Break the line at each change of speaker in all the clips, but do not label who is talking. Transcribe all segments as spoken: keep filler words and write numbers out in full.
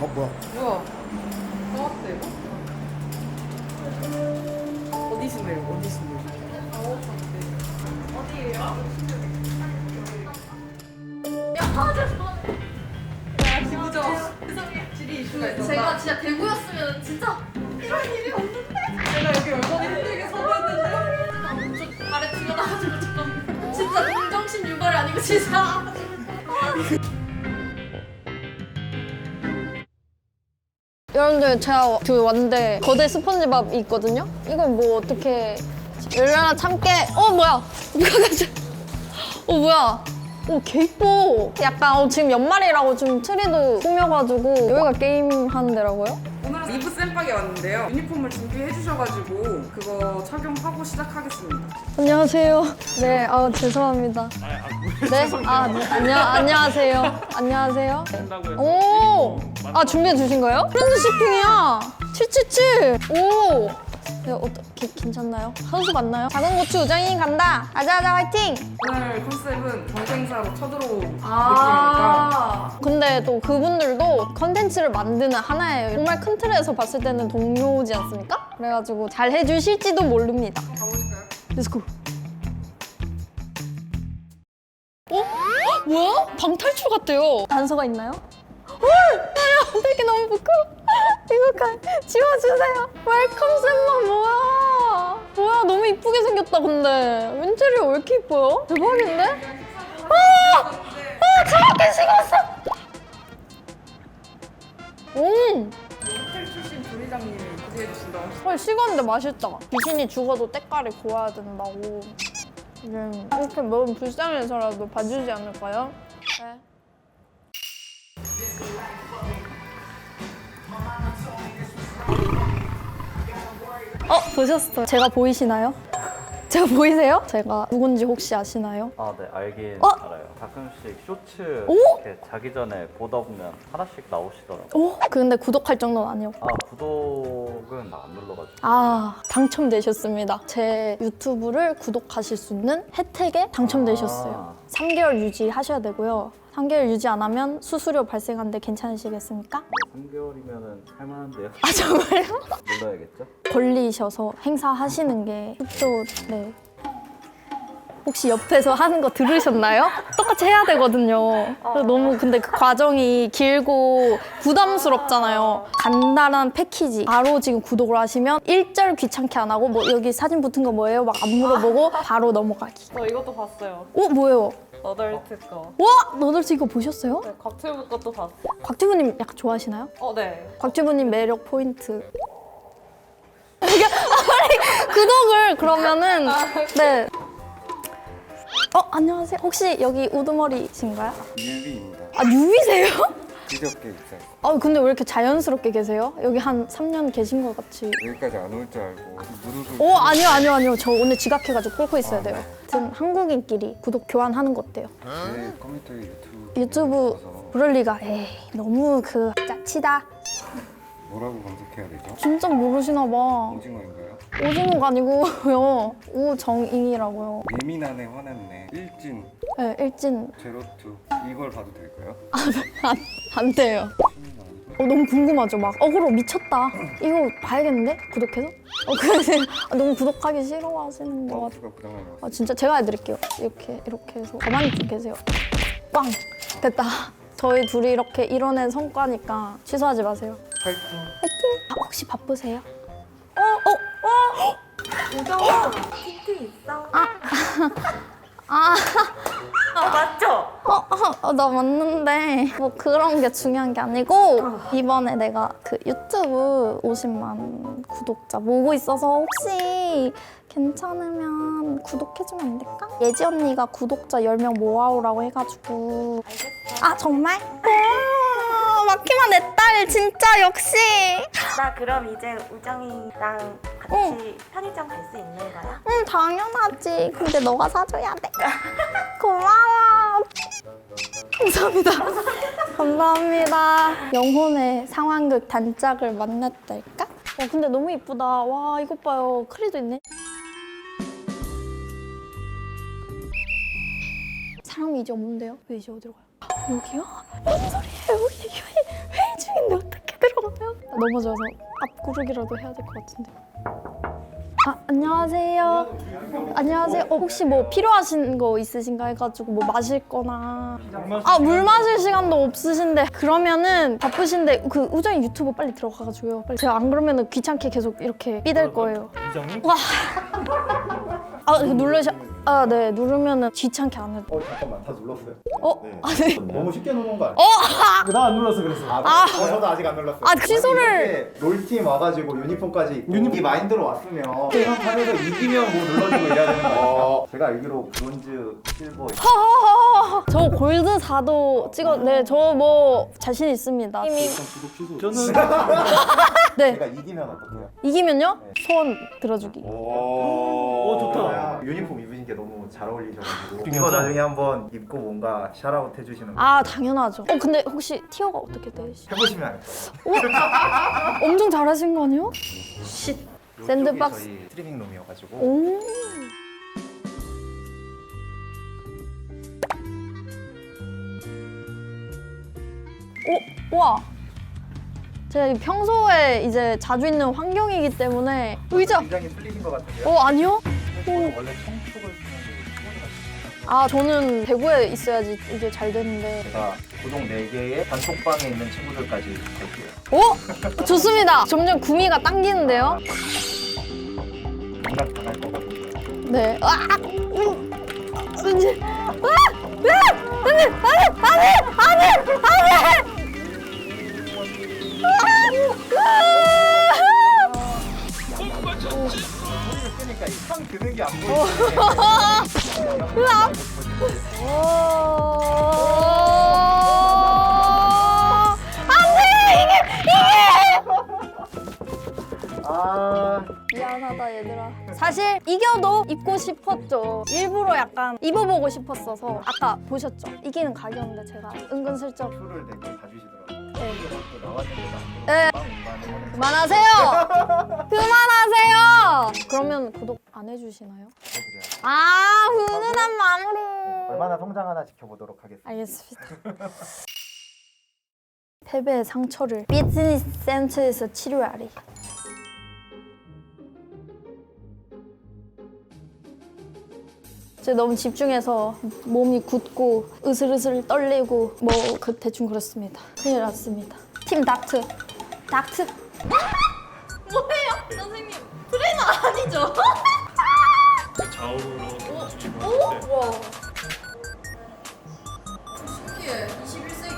어 뭐야?
뭐야? 나왔대 이거? 어디신데요? 어디신데요? 어디예요?
야, 죄송합니다.
야 기부죠. 질이 이슈가 있었다.
제가 진짜 대구였으면 진짜 이런 일이 없는데.
제가 여기 얼마나 힘들게 서봤는데.
나 엄청 발에 티가 나가지고 잠깐만. 진짜 동정심 유발이 아니고 진짜.
여러분들 제가 그 왔는데 거대 스펀지밥이 있거든요? 이건 뭐 어떻게 열려나 참깨 어 뭐야 누가 가져 어 뭐야 어개 이뻐 약간 어, 지금 연말이라고 좀 트리도 꾸며가지고 여기가 게임 하는 데라고요?
오늘 리브 쌤박에 왔는데요. 유니폼을 준비해 주셔가지고 그거 착용하고 시작하겠습니다.
안녕하세요. 네, 아 죄송합니다. 네, 아 네, 안녕 안녕하세요. 안녕하세요. 오, 아 준비해 주신 거예요? 프렌드 쇼핑이야. 칠칠칠. 오. 네, 어떻게 괜찮나요? 선수 맞나요? 작은 고추 우정이 간다. 아자아자 화이팅.
오늘 컨셉은 경쟁사로 쳐들어온 느낌이니까
아. 근데 또 그분들도 컨텐츠를 만드는 하나예요. 정말 큰 틀에서 봤을 때는 동료지 않습니까? 그래가지고 잘 해주실지도 모릅니다.
가보실까요?
렛츠고. 어? 헉, 뭐야? 방탈출 같대요. 단서가 있나요? 헐! 나야 되게 너무 부끄러워. 이거 지워주세요. 웰컴 쌤만 뭐야? 뭐야 너무 이쁘게 생겼다 근데. 인테리어 왜 이렇게 이뻐요? 대박인데? 아! 아! 정확히 식었어! 음!
호텔 출신 조리장님이 구비해 주신다고 하시죠.
헐 식었는데 맛있다. 귀신이 죽어도 때깔이 고와야 된다고. 음, 이렇게 먹으면 불쌍해서라도 봐주지 않을까요? 네. 어, 보셨어요? 제가 보이시나요? 제가 보이세요? 제가 누군지 혹시 아시나요?
아, 네, 알긴
어?
알아요. 가끔씩 쇼츠
오?
이렇게 자기 전에 보다 보면 하나씩 나오시더라고요.
오? 근데 구독할 정도는 아니었고.
아, 구독은 안 눌러가지고.
아, 당첨되셨습니다. 제 유튜브를 구독하실 수 있는 혜택에 당첨되셨어요.
아.
삼 개월 유지하셔야 되고요. 삼 개월 유지 안 하면 수수료 발생하는데 괜찮으시겠습니까?
삼 개월이면 할만한데요?
아, 정말요?
눌러야겠죠?
걸리셔서 행사하시는 게 좋죠. 네. 혹시 옆에서 하는 거 들으셨나요? 똑같이 해야 되거든요. 너무 근데 그 과정이 길고 부담스럽잖아요. 간단한 패키지. 바로 지금 구독을 하시면 일절 귀찮게 안 하고 뭐 여기 사진 붙은 거 뭐예요? 막 안 물어보고 바로 넘어가기.
저 이것도 봤어요.
어? 뭐예요?
너덜트 거.
와! 너덜트 이거 보셨어요?
네, 곽튜브 것도 봤어요.
곽튜브님 약간 좋아하시나요?
어, 네.
곽튜브님 매력 포인트. 이게 아니 구독을 그러면은 네. 어 안녕하세요. 혹시 여기 우두머리신가요?
유비입니다.
아 유비세요?
그저께 입사했어요.
아 근데 왜 이렇게 자연스럽게 계세요? 여기 한 삼 년 계신 것 같이.
여기까지 안 올 줄 알고 무릎을.
오 아니요 아니요 아니요. 저 오늘 지각해가지고 꿇고 있어야
아,
돼요.
네.
아무튼 한국인끼리 구독 교환하는 거 어때요?
제 컴퓨터에 유튜브.
유튜브
있어서
그럴 리가. 에이 너무 그 짜치다.
뭐라고 검색해야 되죠?
진짜 모르시나 봐.
오징어인가요?
오징어가 아니고요. 우정인이라고요.
예민하네 화났네. 일진
네, 일진
제로투 이걸 봐도 될까요?
안, 안 돼요. 어, 너무 궁금하죠? 막 어그로 미쳤다. 이거 봐야겠는데? 구독해서? 어, 그래서 아, 너무 구독하기 싫어하시는 것 같아요.
마우스가 고장난 것 같아요.
아, 진짜 제가 해드릴게요. 이렇게 이렇게 해서 가만히 좀 계세요. 꽝! 됐다. 저희 둘이 이렇게 이뤄낸 성과니까 취소하지 마세요.
파이팅.
화이팅! 아, 혹시 바쁘세요? 어? 어?
우정아, 틴트 있어?
아, 아,
아, 맞죠?
어, 어, 어, 나 맞는데 뭐 그런 게 중요한 게 아니고 이번에 내가 그 유튜브 오십만 구독자 모으고 있어서 혹시 괜찮으면 구독해주면 안 될까? 예지 언니가 구독자 열 명 모아오라고 해가지고.
알겠어.
아 정말? 와, 마키마 내 딸 진짜 역시.
나 그럼 이제 우정이랑 같이 편의점 갈 수 있는 거야?
응 당연하지. 근데 너가 사줘야 돼. 고마워. 감사합니다. 감사합니다. 영혼의 상황극 단짝을 만났달까? 와 근데 너무 이쁘다. 와 이것 봐요. 크리도 있네. 사람이 이제 없는데요? 왜 이제 어디로 가요? 여기요? 뭔 소리예요? 여기 회의, 회의 중인데 어떡해? 넘어져서 앞구르기라도 해야 될 것 같은데. 아, 안녕하세요. 안녕하세요. 어, 혹시 뭐 필요하신 거 있으신가 해가지고 뭐 마실 거나. 아, 물 마실 시간도 없으신데. 그러면은 바쁘신데 그 우정이 유튜브 빨리 들어가가지고요. 빨리. 제가 안 그러면은 귀찮게 계속 이렇게 삐댈 거예요.
우정이?
와. 아, 이거 누르셔. 아, 네. 누르면은 귀찮게 안 해도.
어 잠깐만 다 눌렀어요.
어?
네.
아, 네.
너무 쉽게 누른 거 아니에요?
나 안 눌렀어 그래서.
아,
아.
어, 저도 아직 안 눌렀어요.
아, 취소를.
만약에 롤팀 와가지고 유니폼까지 입고 이 마인드로 왔으면 게임 판에서 이기면 뭐 눌러주고 이래야 되는 거 아니에요? 제가 알기로 브론즈, 실버
허허허. 저 골드 사도 찍어. 네, 저 뭐 자신 있습니다. 이미.
저는
네.
제가 이기면 어떡해요?
이기면요? 소원 들어주기.
오,
좋다.
유니폼 입으신 게 너무 잘 어울리셔가지고 이거 나중에 한번 입고 뭔가 샤라웃 해주시는 거
아, 당연하죠. 어, 근데 혹시 티어가 어떻게 되시?
해보시면 알 거예요.
엄청 잘하신 거 아니에요? 쉿.
이쪽이
샌드박스.
저희 스트리밍 룸이어가지고
오. 오, 와. 제가 이 평소에 이제 자주 있는 환경이기 때문에 의자.
굉장히 틀리신 것 같은데요?
어, 아니요?
원래 청축을 쓰는 게
아, 저는 대구에 있어야지 이게 잘 되는데.
제가 고동 네 개의 단톡방에 있는 친구들까지 갈게요.
오! 좋습니다. 점점 구미가 당기는데요?
공략 당할 거거든요.
네. 아! 음. 왠지. 아! 아! 안돼! 안돼! 안돼! 안돼! 안돼!
그러니까 이상 드는 게 안 보이네.
으악! 안돼! 이게 이게!
아,
미안하다 얘들아. 사실 이겨도 입고 싶었죠. 일부러 약간 입어보고 싶었어서. 아까 보셨죠? 이기는 각이었는데 제가 은근슬쩍.
표를 되게 봐주시더라고요.
네.
또 나왔는데
네.
빵 운반을 하는
그만하세요! 그만하세요! 그러면 구독 안 해주시나요?
친구들이야.
아, 훈훈한 마무리.
얼마나 성장하나 지켜보도록 하겠습니다.
알겠습니다. 패배의 상처를 비즈니스 센터에서 치료하리. 제가 너무 집중해서 몸이 굳고 으슬으슬 떨리고 뭐 그 대충 그렇습니다. 큰일 났습니다. 팀 닥트. 닥트.
뭐예요? 선생님 트레이너 아니죠?
좌우로 뒤집어
오?
네.
와 신기해 이십일 세기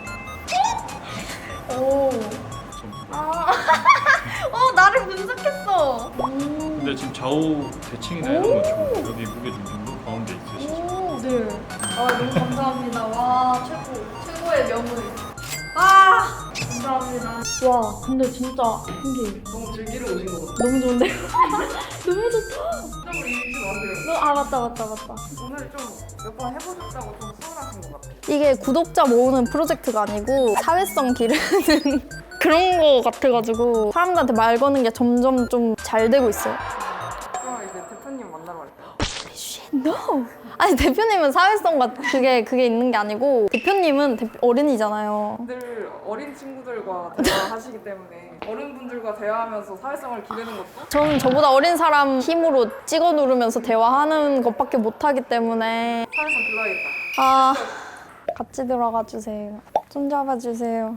오.
아 어, 나를 분석했어
근데 지금 좌우 대칭이나 이런 거 좋고 여기 무게 중심도 가운데 있으시죠?
오, 네.
아 너무 감사합니다 와 최고 최고의 명물 아 감사합니다
와, 근데 진짜 신기해.
너무 즐기러 오신 거 같아요.
너무 좋은데요? 너무 좋다.
진짜로 잊지 마세요.
너, 아, 맞다, 맞다, 맞다.
오늘 좀 몇 번 해보셨다고 좀 서운하신 것 같아요.
이게 구독자 모으는 프로젝트가 아니고 사회성 기르는 그런 거 같아가지고 사람들한테 말 거는 게 점점 좀 잘 되고 있어요.
그럼 이제 대표님 만나러 갈까요?
No. 아니 대표님은 사회성과 그게 그게 있는 게 아니고 대표님은 대, 어른이잖아요.
늘 어린 친구들과 대화하시기 때문에 어른분들과 대화하면서 사회성을 기르는 것도
저는 저보다 어린 사람 힘으로 찍어 누르면서 대화하는 것밖에 못하기 때문에
사회성 길러야겠다.
아 같이 들어가 주세요. 손 잡아 주세요.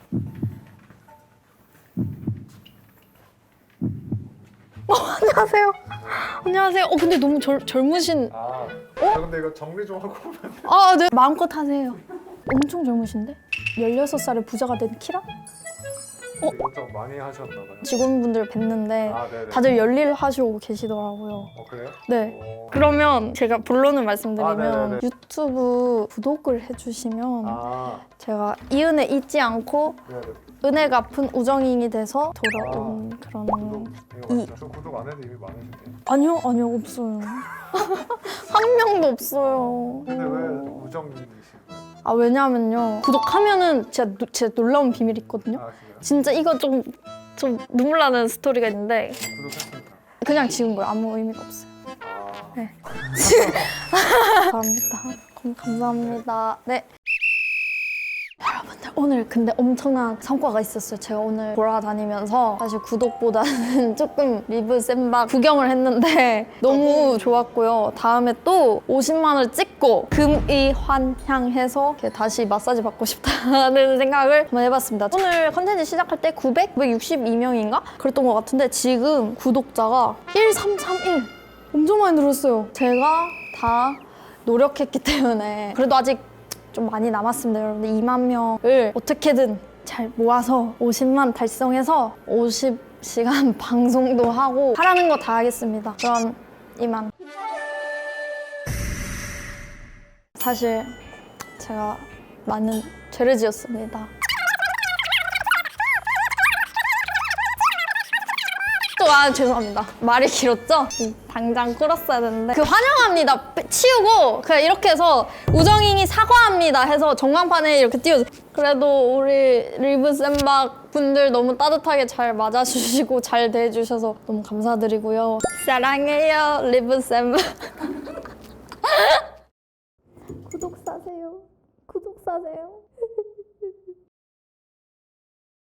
어, 안녕하세요. 안녕하세요. 어 근데 너무 젊, 젊으신.
아, 어? 근데 이거 정리 좀 하고 오면
아, 네. 마음껏 하세요. 엄청 젊으신데? 열여섯 살에 부자가 된 키라?
이것저것 많이 하셨나 봐요.
직원분들 뵀는데
아, 네네.
다들 열일하시고 계시더라고요.
어, 그래요?
네.
오.
그러면 제가 본론을 말씀드리면
아, 네네네.
유튜브 구독을 해주시면
아,
제가 이 은혜 잊지 않고
네네.
은혜 갚은 우정인이 돼서 돌아온 그런.
구독, 이거
이-
맞죠? 저 구독 안 해도 이미 많으신데.
아니요, 아니요, 없어요. 한 명도 없어요.
근데 왜 우정이신 거예요?
아, 왜냐면요. 구독하면은 진짜, 노- 진짜 놀라운 비밀이 있거든요.
아, 진짜요?
진짜 이거 좀, 좀 눈물 나는 스토리가 있는데
구독했으니까.
그냥 지운 거예요. 아무 의미가 없어요.
아,
네. 감사합니다. 감- 감사합니다. 네. 여러분들 오늘 근데 엄청난 성과가 있었어요. 제가 오늘 돌아다니면서 사실 구독보다는 조금 리브 쌤박 구경을 했는데 너무 좋았고요. 다음에 또 오십만을 찍고 금이환향해서 이렇게 다시 마사지 받고 싶다는 생각을 한번 해봤습니다. 오늘 컨텐츠 시작할 때 구백, 구백육십이 명인가? 그랬던 것 같은데 지금 구독자가 일삼삼일 엄청 많이 늘었어요. 제가 다 노력했기 때문에 그래도 아직 좀 많이 남았습니다. 여러분들 이만 명을 어떻게든 잘 모아서 오십만 달성해서 오십 시간 방송도 하고 하라는 거 다 하겠습니다. 그럼 이만. 사실 제가 많은 죄를 지었습니다. 또 아 죄송합니다. 말이 길었죠? 당장 끌었어야 되는데 그 환영합니다 치우고 그냥 이렇게 해서 우정잉이 사과합니다 해서 전광판에 이렇게 띄워줘. 그래도 우리 리브 쌤박 분들 너무 따뜻하게 잘 맞아주시고 잘 대해주셔서 너무 감사드리고요. 사랑해요 리브 쌤박. 구독 사세요. 구독 사세요.